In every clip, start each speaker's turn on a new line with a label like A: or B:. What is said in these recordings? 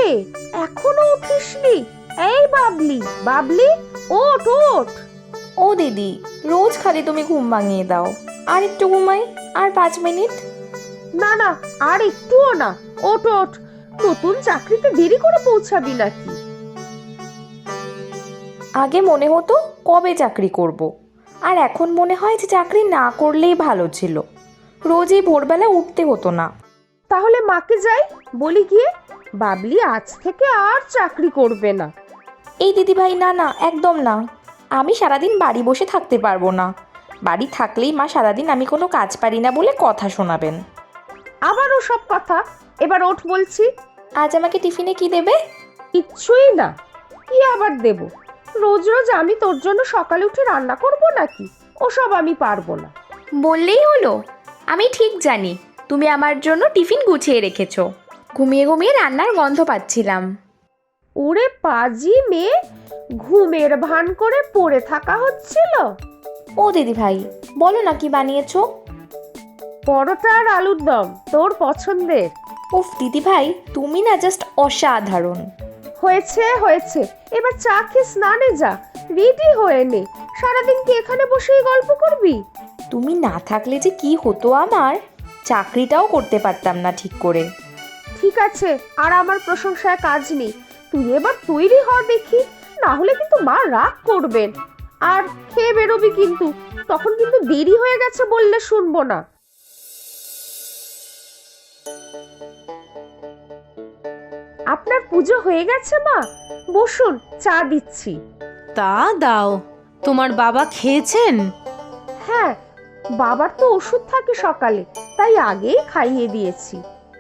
A: রে, এখনো উঠিসনি? এই বাবলি, বাবলি, ওঠ ওঠ।
B: ও দিদি, রোজ খালি তুমি ঘুম ভাঙিয়ে দাও। আর একটু ঘুমাই, আর 5 মিনিট।
A: না না, আর একটুও না, ওঠ ওঠ। নতুন চাকরিতে দেরি করে পৌঁছাবি নাকি?
B: আগে মনে হতো কবে চাকরি করব, আর এখন মনে হয় যে চাকরি না করলেই ভালো ছিল। রোজই ভোরবেলা উঠতে হতো না।
A: তাহলে মাকে যাই বলি গিয়ে, বাবলি আজ থেকে আর চাকরি করবে না।
B: এই দিদি ভাই, না না, একদম না। আমি সারাদিন বাড়ি বসে থাকতে পারবো না। বাড়ি থাকলেই মা সারাদিন আমি কোনো কাজ পারি না বলে কথা শোনাবেন।
A: আবারও সব কথা। এবার ওঠ বলছি।
B: আজ আমাকে টিফিনে কি দেবে?
A: কিচ্ছুই না। কি আবার দেব? রোজ রোজ আমি তোর জন্য সকালে উঠে রান্না করব নাকি? ওসব আমি পারবো না।
B: বললেই হলো। আমি ঠিক জানি তুমি আমার জন্য টিফিন গুছিয়ে রেখেছো। ঘুমিয়ে ঘুমিয়ে রান্নার গন্ধ পাচ্ছিলাম।
A: ওরে পাজি মেয়ে, ঘুমের ভান করে পড়ে থাকা হচ্ছিল।
B: ও দিদি ভাই, বলো না কি বানিয়েছো?
A: পরোটা আর আলুর দম, তোর পছন্দের।
B: উফ দিদি ভাই, তুমি না জাস্ট অসাধারণ।
A: হয়েছে হয়েছে, এবার চা খেয়ে স্নানে যা, রেডি হয়ে নে। সারাদিন কি এখানে বসেই গল্প করবি?
B: তুমি না থাকলে যে কি হতো আমার, চাকরিটাও করতে পারতাম না ঠিক করে।
A: ঠিক আছে, আর আমার প্রশংসায় কাজ নেই। তুই এবার তৈরি হ দেখি, না হলে কিন্তু মা রাগ করবেন। আর খেয়ে বেরোবি কিন্তু, তখন কিন্তু দেরি হয়ে গেছে বললে শুনবো না। আপনার পুজো হয়ে গেছে মা? বসুন, চা দিচ্ছি।
C: তা দাও। তোমার বাবা খেয়েছেন?
A: হ্যাঁ, বাবার তো ওষুধ থাকে সকালে, তাই আগেই খাইয়ে দিয়েছি।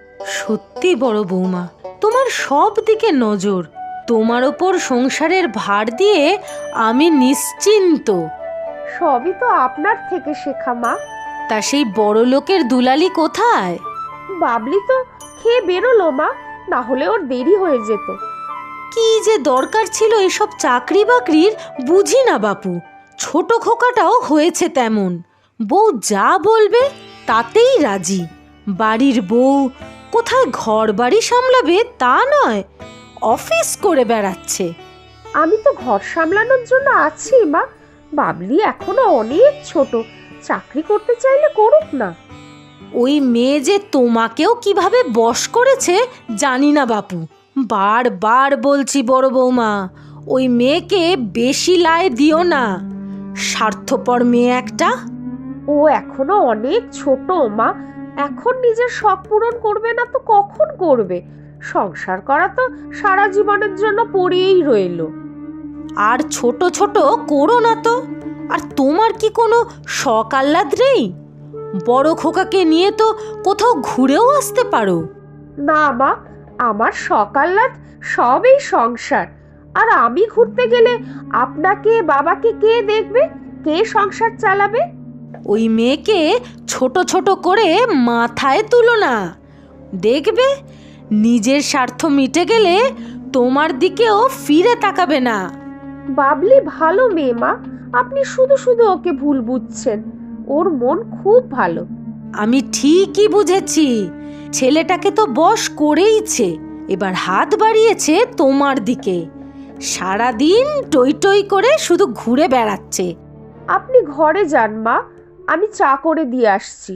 C: সত্যি বড় বৌমা, তোমার সব দিকে নজর। তোমার ওপর সংসারের ভার দিয়ে আমি নিশ্চিন্ত।
A: সবই তো আপনার থেকে শেখা মা।
C: তা সেই বড় লোকের দুলালি কোথায়?
A: বাবলি তো খেয়ে বেরোলো মা, না হলে ওর দেরি হয়ে যেত।
C: কি যে দরকার ছিল এসব চাকরি বাকরির, বুঝি না বাপু। ছোট খোকাটাও হয়েছে তেমন। বউ যা বলবে তাতেই রাজি। বাড়ির বউ, কোথায় ঘর বাড়ি সামলাবে তা নয়, অফিস করে বেড়াচ্ছে।
A: আমি তো ঘর সামলানোর জন্য আছি মা। বাবলি এখনো অনেক ছোট, চাকরি করতে চাইলে করুক না।
C: ওই মেয়ে যে তোমাকেও কিভাবে বশ করেছে জানি না বাপু। বারবার বলছি বড় বৌমা, ওই মেয়েকে বেশি লায় দিও না। স্বার্থপর মেয়ে একটা।
A: ও এখনো অনেক ছোট মা, এখন নিজের শখ পূরণ করবে না তো কখন করবে? সংসার করা তো সারা জীবনের জন্য পড়েই রইলো।
C: আর ছোট ছোট করো না তো। আর তোমার কি কোনো শখ আহ্লাদ নেই? বড় খোকাকে নিয়ে তো কোথাও ঘুরেও আসতে পারো।
A: না মা, আমার সকাল্লাদ সব এই সংসার। আর আমি ঘুরতে গেলে আপনাকে বাবাকে কে দেখবে? কে সংসার চালাবে?
C: ওই মেয়েকে ছোট ছোট করে মাথায় তুলো না। দেখবে নিজের স্বার্থ মিটে গেলে তোমার দিকেও ফিরে তাকাবে না।
A: বাবলি ভালো মেয়ে মা, আপনি শুধু শুধু ওকে ভুল বুঝছেন। ওর মন খুব ভালো।
C: আমি ঠিকই বুঝেছি, ছেলেটাকে তো বশ করেইছে। এবার হাত বাড়িয়েছে তোমার দিকে। সারাদিন টই টই করে শুধু ঘুরে বেড়াচ্ছে।
A: আপনি ঘরে যান মা, আমি চা করে দিয়ে আসছি।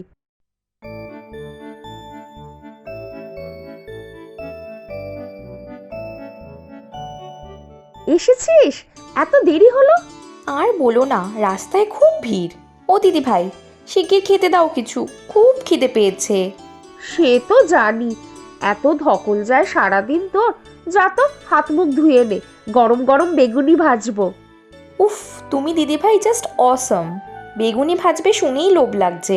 A: এসেছিস? এত দেরি হলো?
B: আর বলো না, রাস্তায় খুব ভিড়। ও দিদি ভাই, শিগগির খেতে দাও কিছু, খুব খিদে পেয়েছে।
A: সে তো জানি, এত ধকল যায় সারাদিন তোর। যা তো হাত মুখ ধুয়ে নে, গরম গরম বেগুনি ভাজবো।
B: উফ, তুমি দিদি ভাই জাস্ট অসম। বেগুনি ভাজবে শুনেই লোভ লাগছে।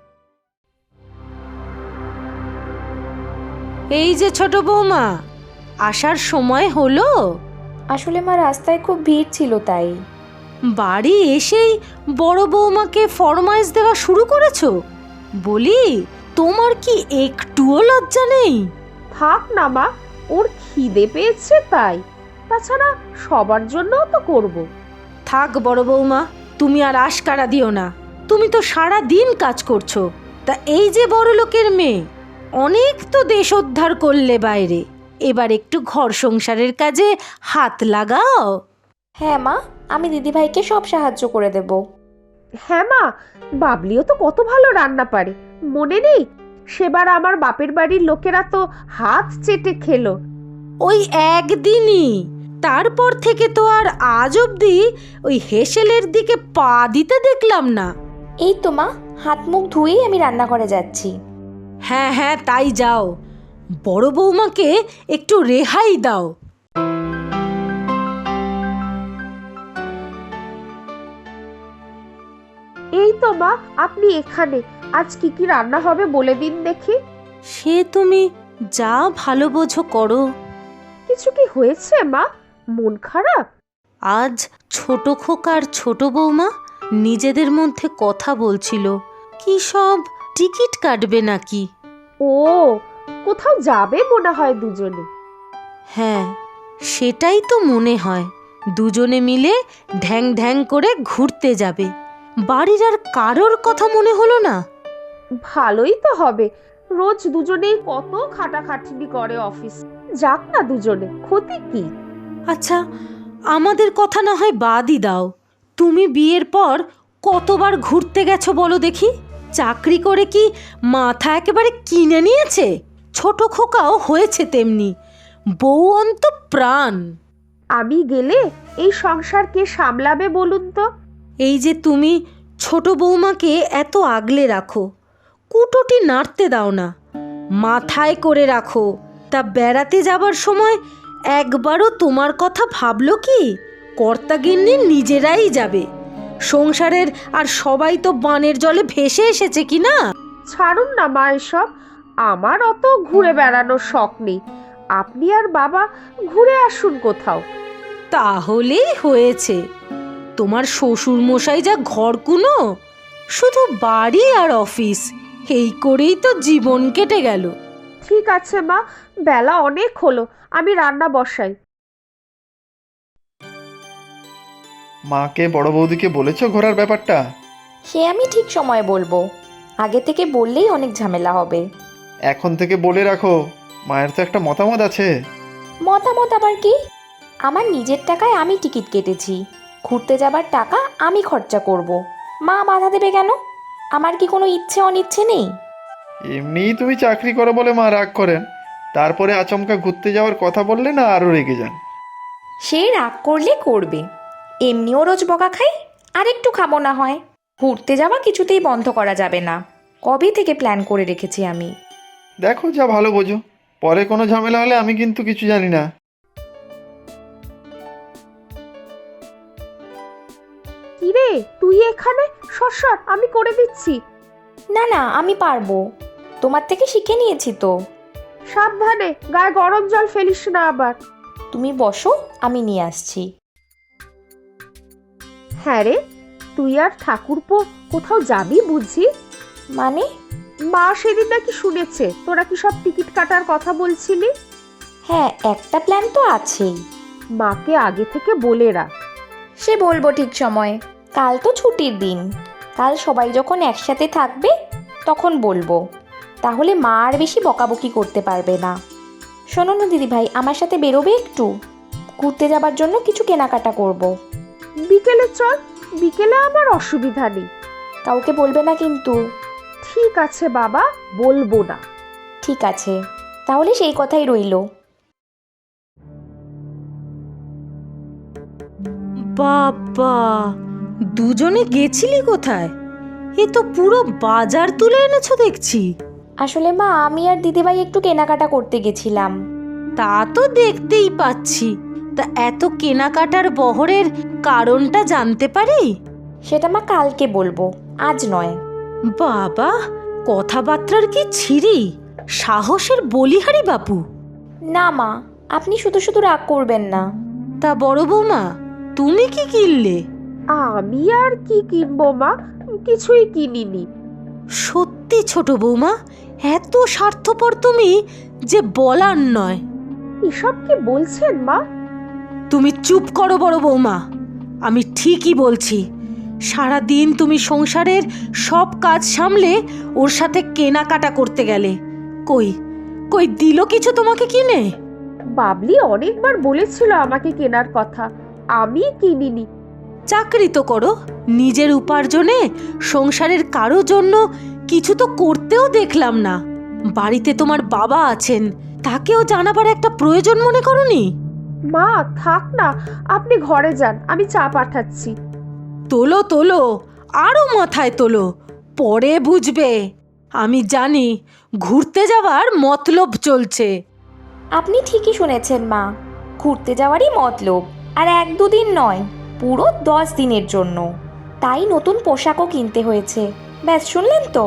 C: এই যে ছোট বৌমা, আসার সময় হলো?
B: আসলে মা, রাস্তায় খুব ভিড় ছিল তাই।
C: বাড়ি এসেই বড় বৌমাকে ফরমাইশ দেওয়া শুরু করেছো? বলি, তোমার কি একটুও লজ্জা নেই?
A: থাক না মা, ওর খিদে পেয়েছে তাই। তাছাড়া সবার জন্যও তো করব।
C: থাক বড় বৌমা, তুমি আর আশকারা দিও না। তুমি তো সারা দিন কাজ করছো। তা এই যে বড় লোকের মেয়ে, অনেক তো দেশ উদ্ধার করলে বাইরে। এবার একটু ঘর সংসারের কাজে হাত লাগাও।
B: হ্যাঁ মা, আমি দিদিভাইকে সব সাহায্য করে দেব।
A: হ্যাঁ মা, বাবলিও তো কত ভালো রান্না পারে, মনে নেই সেবার আমার বাপের বাড়ির লোকেরা তো হাত চেটে খেলো।
C: ওই একদিনই, তারপর থেকে তো আর আজ অবধি ওই হেসেলের দিকে পা দিতে দেখলাম না।
B: এই তো মা, হাত মুখ ধুয়েই আমি রান্নাঘরে যাচ্ছি।
C: হ্যাঁ হ্যাঁ, তাই যাও, বড় বৌমাকে একটু রেহাই দাও।
A: এই তো মা, আপনি এখানে। আজ কি কি রান্না হবে বলে দিন দেখি।
C: সে তুমি যা ভালো বোঝো করো।
A: কিছু কি হয়েছে মা? মন খারাপ?
C: আজ ছোট খোকার ছোট বৌমা নিজেদের মধ্যে কথা বলছিল, কি সব টিকিট কাটবে নাকি।
A: ও, কোথাও যাবে মনে হয় দুজনে।
C: হ্যাঁ, সেটাই তো মনে হয়, দুজনে মিলে ঢ্যাং ঢ্যাং করে ঘুরতে যাবে। বাড়ির আর কারোর কথা মনে হলো না?
A: ভালোই তো হবে, রোজ দুজনেই কত খাটাখাটনি করে অফিস। যাক না দুজনে, ক্ষতি কি?
C: আচ্ছা, আমাদের কথা না হয় বাদই দাও, তুমি বিয়ের পর কতবার ঘুরতে গেছো বলো দেখি? চাকরি করে কি মাথা একেবারে কিনে নিয়েছে? ছোট খোকাও হয়েছে তেমনি, বউ অন্ত প্রাণ।
A: আমি গেলে এই সংসার কে সামলাবে বলুন তো?
C: এই যে তুমি ছোট বৌমাকে এত আগলে রাখো, কুটোটি নাড়তে দাও না, মাথায় করে রাখো, তা বেড়াতে যাবার সময় একবারও তোমার কথা ভাবলো কি? কর্তাগিন্নি নিজেরাই যাবে, সংসারের আর সবাই তো বানের জলে ভেসে এসেছে কি না।
A: ছাড়ুন না মা এসব, আমার অত ঘুরে বেড়ানোর শখ নেই। আপনি আর বাবা ঘুরে আসুন কোথাও।
C: তাহলেই হয়েছে। তোমার শ্বশুর মশাই যা ঘরকুনো, শুধু বাড়ি আর অফিস, এই করেই তো জীবন কেটে গেল।
A: ঠিক আছে মা, বেলা অনেক হলো, আমি রান্না বসাই।
D: মাকে বড় বৌদিকে বলেছো ঘোরার ব্যাপারটা?
B: সে আমি ঠিক সময়ে বলবো, আগে থেকে বললেই অনেক ঝামেলা হবে।
D: এখন থেকে বলে রাখো, মায়ের তো একটা মতামত আছে।
B: মতামত আবার কি? আমার নিজের টাকায় আমি টিকিট কেটেছি, ঘুরতে যাবার টাকা আমি খরচা করব। মা বাধা দেবে কেন? আমার কি কোনো ইচ্ছে অনিচ্ছে নেই?
D: এমনিই তুমি চাকরি করো বলে মা রাগ করেন, তারপরে আচমকা ঘুরতে যাওয়ার কথা বললে না আরও রেগে যান।
B: সে রাগ করলে করবে, এমনিও রোজ বকা খাই, আর একটু খাবো না হয়। ঘুরতে যাওয়া কিছুতেই বন্ধ করা যাবে না, কবে থেকে প্ল্যান করে রেখেছি আমি।
D: দেখো যা ভালো বোঝো, পরে কোনো ঝামেলা হলে আমি কিন্তু কিছু জানি না।
A: কিরে তুই এখানে? সর, আমি করে দিচ্ছি।
B: না না, আমি পারবো, তোমার থেকে শিখে নিয়েছি তো।
A: সাবধানে, গায়ে গরম জল ফেলিস না আবার।
B: তুমি বসো, আমি নিয়ে আসছি।
A: হ্যাঁ রে, তুই আর ঠাকুরপো কোথাও যাবি বুঝি?
B: মানে?
A: মা সেদিন নাকি শুনেছে তোরা কি সব টিকিট কাটার কথা বলছিলি।
B: হ্যাঁ, একটা প্ল্যান তো আছেই।
A: মাকে আগে থেকে বলে রাখ।
B: সে বলবো ঠিক সময়ে, কাল তো ছুটির দিন, কাল সবাই যখন একসাথে থাকবে তখন বলবো, তাহলে মা আর বেশি বকাবকি করতে পারবে না। শোনো না দিদিভাই, আমার সাথে বেরোবে একটু? ঘুরতে যাবার জন্য কিছু কেনাকাটা করব।
A: বিকেলে চল, বিকেলে আমার অসুবিধা নেই।
B: কাউকে বলবে না কিন্তু।
A: ঠিক আছে বাবা, বলবো না।
B: ঠিক আছে, তাহলে সেই কথাই রইলো।
C: বাবা, দুজনে গেছিলি কোথায়? এ তো পুরো বাজার তুলে এনেছো দেখছি।
B: আসলে মা, আমি আর দিদিভাই একটু কেনাকাটা করতে গেছিলাম।
C: তা তো দেখতেই পাচ্ছি, তা এত কেনাকাটার বহরের কারণটা জানতে পারি?
B: সেটা মা কালকে বলবো, আজ নয়।
C: বাবা, কথাবার্তার কি ছিরি, সাহসের বলিহারি বাপু।
B: না মা, আপনি শুধু শুধু রাগ করবেন না।
C: তা বড় বৌমা, তুমি কি কিনলে?
A: আমি আর কি কিনবো মা, কিছুই কিনিনি।
C: সত্যি ছোট বৌমা, এত স্বার্থপর তুমি যে বলার নয়।
A: এসব কি বলছেন মা?
C: তুমি চুপ করো বড় বৌমা, আমি ঠিকই বলছি। সারাদিন তুমি সংসারের সব কাজ সামলে ওর সাথে কেনাকাটা করতে গেলে, কই কই দিল কিছু তোমাকে কিনে?
A: বাবলি অনেকবার বলেছিল আমাকে কেনার কথা, আমি কিনিনি।
C: চাকরি তো করো, নিজের উপার্জনে সংসারের কারো জন্য কিছু তো করতেও দেখলাম না। বাড়িতে তোমার বাবা আছেন, তাকেও জানাবার একটা প্রয়োজন মনে করনি?
A: মা থাক না, আপনি ঘরে যান, আমি চা পাঠাচ্ছি।
C: তোলো তোলো, আরো মাথায় তোলো, পরে বুঝবে। আমি জানি ঘুরতে যাওয়ার মতলব চলছে।
B: আপনি ঠিকই শুনেছেন মা, ঘুরতে যাওয়ারই মতলব। আর 1-2 দিন নয়, পুরো 10 দিনের জন্য। তাই নতুন পোশাকও কিনতে হয়েছে। ব্যাস, শুনলেন তো?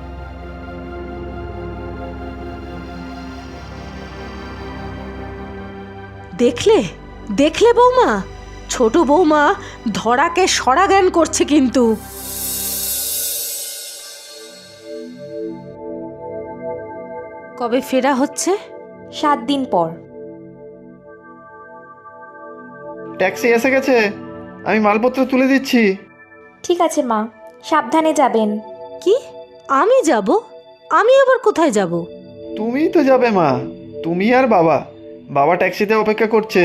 C: দেখলে দেখলে বৌমা, ছোট বৌমা ধরাকে সরা জ্ঞান করছে কিন্তু। কবে ফেরা হচ্ছে?
B: 7 দিন পর।
D: ট্যাক্সি এসে গেছে, আমি মালপত্র তুলে দিচ্ছি।
B: ঠিক আছে মা, সাবধানে যাবেন।
C: কি, আমি যাব? আমি আবার কোথায় যাব?
D: তুমিই তো যাবে মা, তুমি আর বাবা। বাবা ট্যাক্সিতে অপেক্ষা করছে।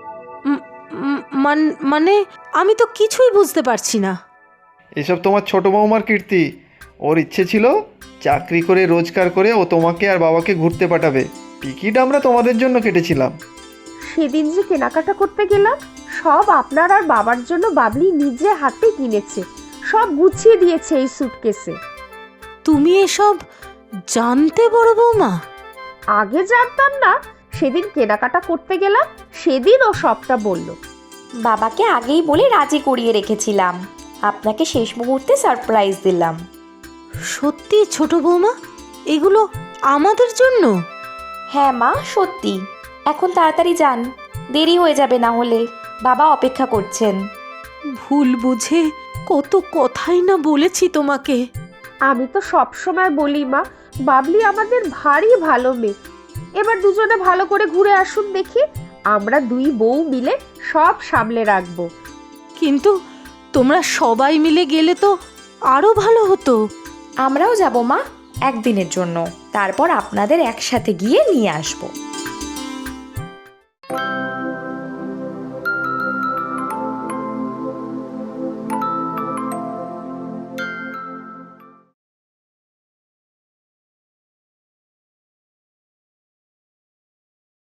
C: মানে আমি তো কিছুই বুঝতে পারছি না।
D: এসব তোমার ছোট বৌমার কীর্তি। ওর ইচ্ছে ছিল চাকরি করে রোজগার করে ও তোমাকে আর বাবাকে ঘুরতে পাঠাবে। টিকিট আমরা তোমাদের জন্য কেটেছিলাম।
A: সেদিন যে কেনাকাটা করতে গেলাম, সব আপনার আর বাবার জন্য বাবলি নিজে হাতে কিনেছে, সব গুছিয়ে দিয়েছে এই সুটকেসে।
C: তুমি এসব জানতে বড় বৌমা?
A: আগে জানতাম না, সেদিন কেনাকাটা করতে গেলাম, সেদিন ও সবটা বলল।
B: বাবাকে আগেই বলে রাজি করিয়ে রেখেছিলাম, আপনাকে শেষ মুহূর্তে সারপ্রাইজ দিলাম।
C: সত্যি ছোট বৌমা, এগুলো আমাদের জন্য?
B: হ্যাঁ মা, সত্যি। এখন তাড়াতাড়ি যান, দেরি হয়ে যাবে না হলে। বাবা অপেক্ষা করছেন।
C: ভুল বুঝে কত কথাই না বলেছি তোমাকে।
A: আমি তো সব সময় বলি মা, বাবলি আমাদের ভারী ভালো মেয়ে। এবার দুজনে ভালো করে ঘুরে আসুন দেখি, আমরা 2 বউ মিলে সব সামলে রাখবো।
C: কিন্তু তোমরা সবাই মিলে গেলে তো আরো ভালো হতো।
B: আমরাও যাব মা, 1 দিনের জন্য। তারপর আপনাদের একসাথে গিয়ে নিয়ে আসবো।